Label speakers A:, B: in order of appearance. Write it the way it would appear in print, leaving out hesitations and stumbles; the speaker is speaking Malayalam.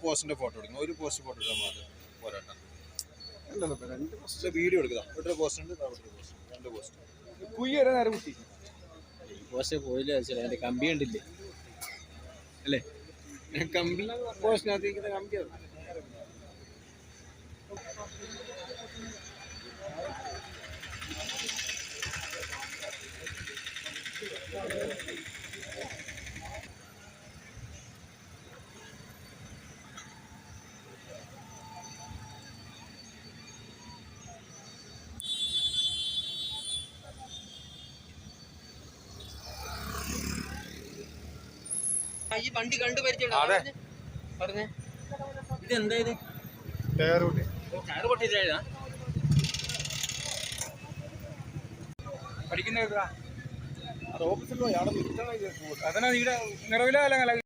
A: പോസ്റ്റിന്റെ ഫോട്ടോ എടുക്കണം. ഒരു പോസ്റ്റ് ഫോട്ടോ എടുക്കാൻ മാത്രം പോരാട്ട. രണ്ട് പോസ്റ്റ് വീഡിയോ എടുക്കുക. ഇവിടെ പോസ്റ്റ് ഉണ്ട്, രണ്ട് പോസ്റ്റ്.
B: പോസ്റ്റ് പോയില്ല, അതിന്റെ കമ്പി ഉണ്ടില്ലേ അല്ലേ? കമ്പി പോസ്റ്റിനകത്ത് കമ്പിയാണ്. ഈ വണ്ടി കണ്ടു പരിചയം പറഞ്ഞേ, ഇതെന്താ ഇത്? ടയർ പൊട്ടിച്ചാ പഠിക്കുന്ന ഓഫീസിൽ പോയി അവിടെ അതനാ നിങ്ങളുടെ നിറവില